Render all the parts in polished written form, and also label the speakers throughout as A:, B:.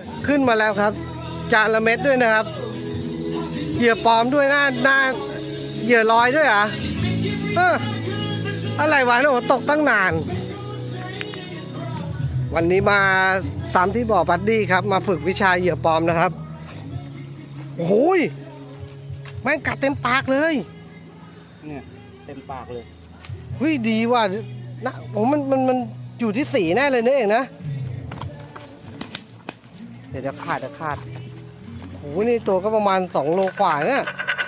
A: ขึ้นมาแล้วครับจานละเม็ดด้วยนะครับเหยื่อปลอมด้วยหน้าเหยื่อลอยด้วยเหรออะไรวะโอ้ตกตั้งนานวันนี้มาซ้ำที่บ่อบัดดี้ครับมาฝึกวิชาเหยื่อปลอมนะครับโอ้โหแม่งกัดเต็มปากเลย
B: เนี่ยเต็มปากเลย
A: เฮ้ยดีว่ะนะโอ้มันอยู่ที่สีแน่เลยเนี่ยเองนะเดี๋ยวขาดโอ้โหนี่ตัวก็ประมาณ2 โลกว่าเนี่ย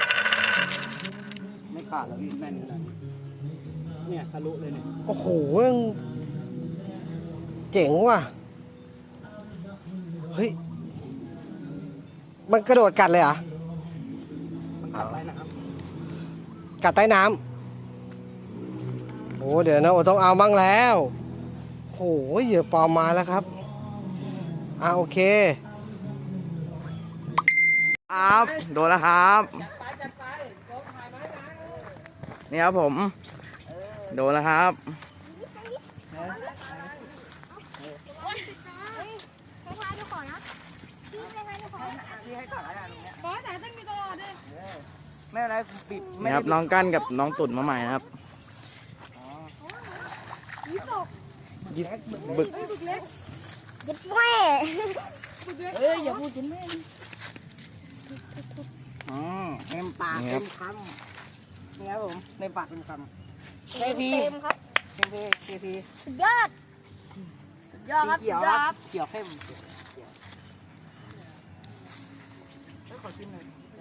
B: ไม่ขาดแล้วพี่แน่นขนาดนี้เนี่ยทะลุเลยเนี่ย
A: โอ้โหเจ๋งว่ะเฮ้ยมันกระโดดกัดเลยเหรอ
B: มันกัดใต้น้
A: ำกัดใต้น้ำโอ้เดี๋ยวนะโอ้ต้องเอาบ้างแล้วโอ้ยเหยื่อปลอมมาแล้วครับโอเค
C: ครับโดนแล้วครับนี่ครับผมโดนแล้วครับนี่ครับน้องกั้นกับน้องตุ่นมาใหม่นะครับบึก
D: ยึดแม่อย่าพูดยึดแม่
B: เต็มปากเต็มคำนี่ครับผมเต็มปากเต็มคำ
D: เต็มครับ
B: เคพี
D: สุดยอดครับสุดยอดครับ
B: เขียวเข้มขอชิมหน่อย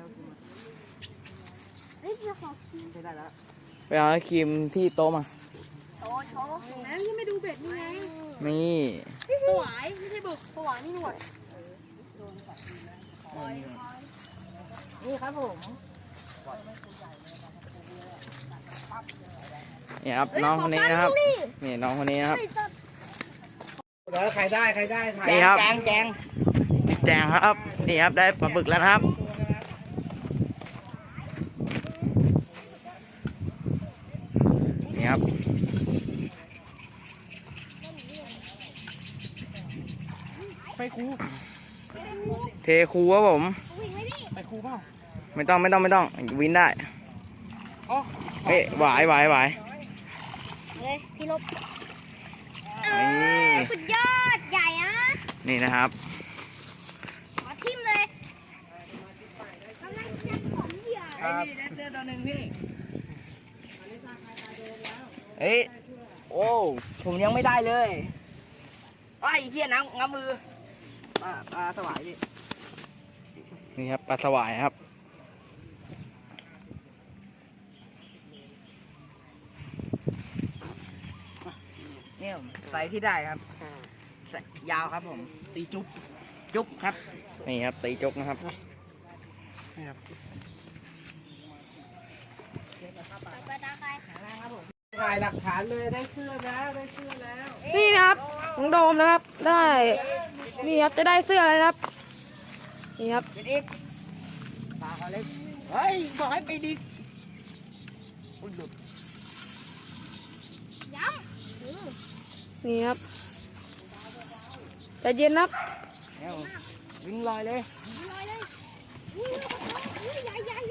B: ได้แล้ว
C: ไปเอาครีมที่โต๊ะมา
D: โชว์แล้วยังไม่ดูเบ็ดนี่ไง
C: นี่
D: สวายไม่ใช่บึกสวายนี่หน่วย
B: นี่ครับผม
C: นี่ครับน้องคนนี้นะครับนี่น้องคนนี้นะครับ
A: แล้วใครได้
C: นี่ครับ
B: แจง
C: ครับนี่ครับได้ปลาบึกแล้วนะครับนี่ครับ
B: ไปครู
C: เทคูครับผม
B: ไปครูเปล่า
C: ไม่ต้องวินได้เฮ้ยหวาย
D: เลยพี่ลบ
C: นี่
D: สุดยอดใหญ่อะ
C: นี่นะครับ
D: ขอทิ่มเลยกำลังจะของเหยื่อ
B: ได้เสื้อตัวหนึ่งพี่
C: เฮ้ย
B: โอ้ผมยังไม่ได้เลยไอ้เหี้ยน้ำงับมือปลาสวายพี่
C: นี่ครับปลาสวายครับ
B: เนี่ยไซส์ที่ได้ครับยาวครับผมตีจุ๊บครับ
C: นี่ครับตีจกนะครับ
B: นี่ครับ
D: ไปตาใคร
A: ถ่ายหลักฐานเลยได้เสื้อแล้ว
E: นี่นะครับน้องโดมนะครับได้นี่ครับจะได้เสื้อแล้วครับนี่ครับ
B: ไปดิปลาเขาเล็กเฮ้ยบอกให้ไปดิอุ้ยหลุด
D: ย้
E: ำนี่ครับใจเย็นครับ
B: วิ่งลอยเลย
D: ใหญ่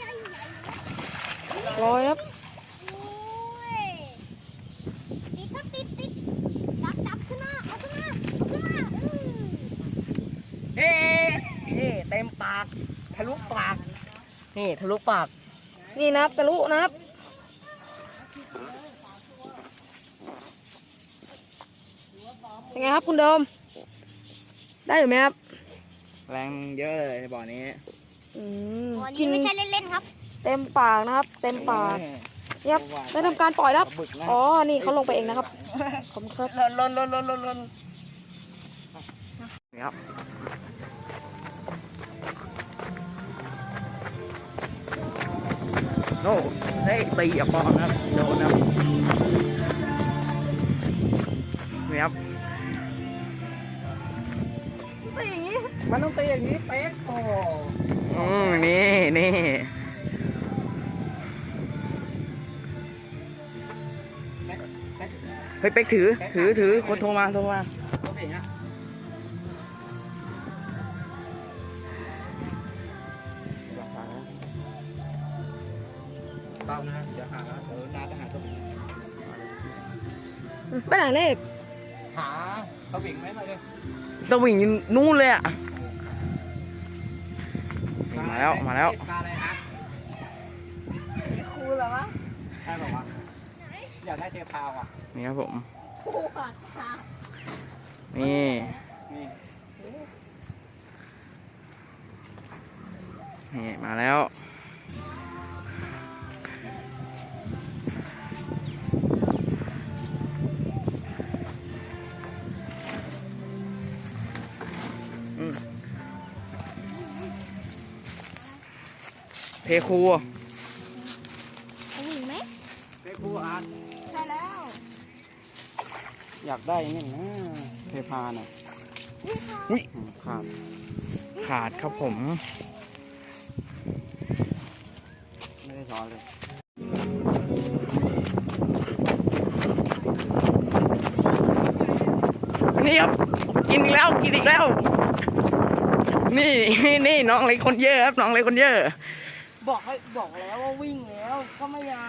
E: ลอยครับ
D: ติดจับขึ้นมาเอาขึ้นมา
B: เฮ้เต็มปากทะลุปากนี่ทะลุปาก
E: นี่นะครับทะลุนะครับเป็นไงครับคุณโดมได้อยู่ไหมครับ
C: แรงเยอะเลยบ่อนี้
D: กินไม่ใช่เล่นๆครับ
E: เต็มปากนะครับเต็มปากครับได้ทำการปล่อยครับอ๋อนี่เขาลงไปเองนะครับขอบคุณครับ
B: ลน
C: นี่ครับโน่ได้ตีอ่ะปอนครับโดนครับนี่ครับ
B: มันต้องตีอย่างนี้เป๊กโอ้
C: นี่เฮ้ยเป๊กถือคนโทรมา
B: เปล่านะเดี๋ยวหานาจะหาตัว
E: ไปไหนเลข
B: หาสวิงไหมหน่อยดิ
C: สวิงนู่นเลยอ่ะมาแล้วมาแล้ว
B: ปลาอะไรฮะ
D: ครูเหรอวะ
B: ใช่ป่าวะอยากได้เทพาวอ่ะ
C: นี่ครับผม
D: ครูค่ะค่ะ
C: นี่
B: นี่
C: นี่มาแล้วเพคู
D: สวิงไหม
B: เทพูอาร์ต
D: ใช่แล้ว
B: อยากได้นี่นะเทพาน่ะ
C: อุ้ย
B: ขาด
C: ขาดครับผม
B: ไม่ได้ซ้อนเลย
C: นี่ครับกินอีกแล้วกินอีกแล้ว นี่นี่น้องเล็กคนเยอะครับน้องเล็กคนเยอะ
B: บอกแล้วว่าวิ่งแล้วก็ไม่ยา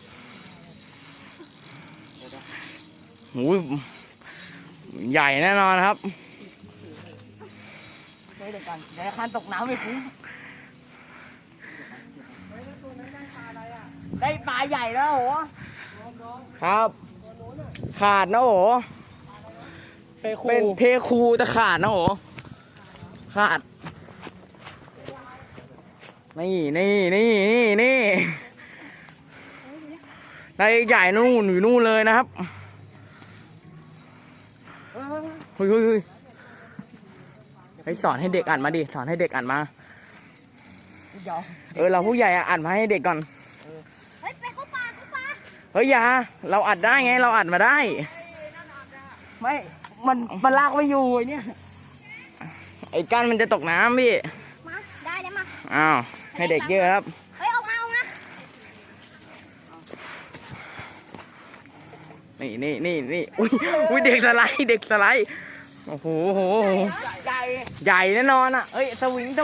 C: หูยใหญ่แน่นอนครับ
B: เดี๋ยวกันเดี๋ยวคันตกน้ำไปคุ้มได้ปลาใหญ่แล้วโห
C: ครับ ขาดนะโห เป็นเทคูแต่ขาดนะโหขาดนี่ได้ใหญ่นู่นอยู่นู่นเลยนะครับเฮ้ยให้สอนให้เด็กอ่านมาดิสอนให้เด็กอ่านมา
B: เดี๋ยว
C: เราผู้ใหญ่อ่านมาให้เด็กก่อน
D: เฮ้ยไปเข้าป่าเข้าป่า
C: เฮ้ยอย่าเราอัดได้ไงเราอัดมาได้
B: ไม่มันลากไม่อยู่ไอ้เนี่ย
C: ไอ้กั้นมันจะตกน้ำพี่
D: มาได้แล้วมา
C: อ้าวให้เด็กเยอะครับ
D: เฮ้ยเอามา
C: นี่อุ้ยเด็กสไลด์โอ้โห
B: ใหญ่
C: ใหญ่แน่นอนอ่ะเอ้ยสวิงนี่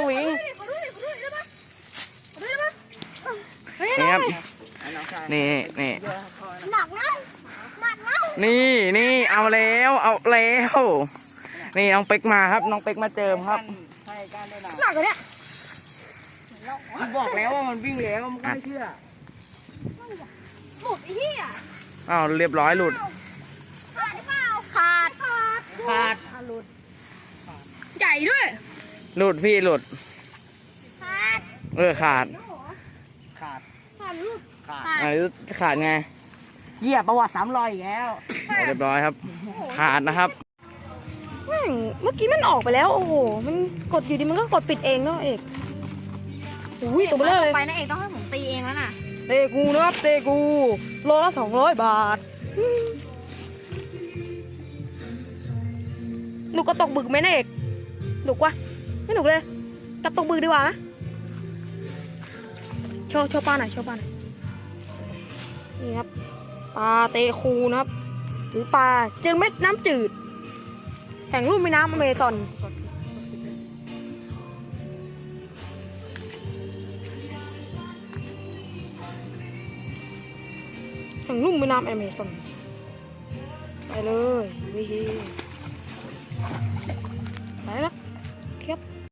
C: ครับนี่
D: หนักนะ
C: นี่เอาแล้วนี่น้องเป็กมาครับน้องเป็กมาเจิมครับ
B: ใช่การได้หนัก
E: หนักเลยเนี่ย
B: บอกแล้วว่ามันวิ่งแล้วมันก็ไม่เชื่อ
D: หลุดไอ้เหี้ย
C: อ้าวเรียบร้อยหลุด
D: ขาดหรือเปล่าขาด
B: หลุด
E: ใหญ่ด้วย
C: หลุดพี่หลุด
D: ขาด
C: ขาด
B: ขาด
D: ขาดหลุด
B: ขาด
C: อะไรขาดไง
B: เหี้ยประวัติ300อีกแล้ว
C: เรียบร้อยครับ ขาดนะครับ
E: เมื่อกี้มันออกไปแล้วโอ้โหมันกดอยู่ดีมันก็กดปิดเองเนาะเอกอุ้ยตัวเบลอเลย
D: ไปนะเอกต้องให้ผมตีเองแล้วน่ะ
E: เตกูนะครับเตกูโลละ200 บาทหนูกระตกบึกไหมนะเอกหนุกวะไม่หนุกเลยกระตกบึกดีกว่านะโชว์ปลาหน่อยนี่ครับปลาเตคูนะครับหรือปลาเจอเม็ดน้ำจืดแห่งลุ่มแม่น้ำอเมซอนแห่งลุ่มแม่น้ำอเมซอนไปเลยวิฮีไปแล้วครับ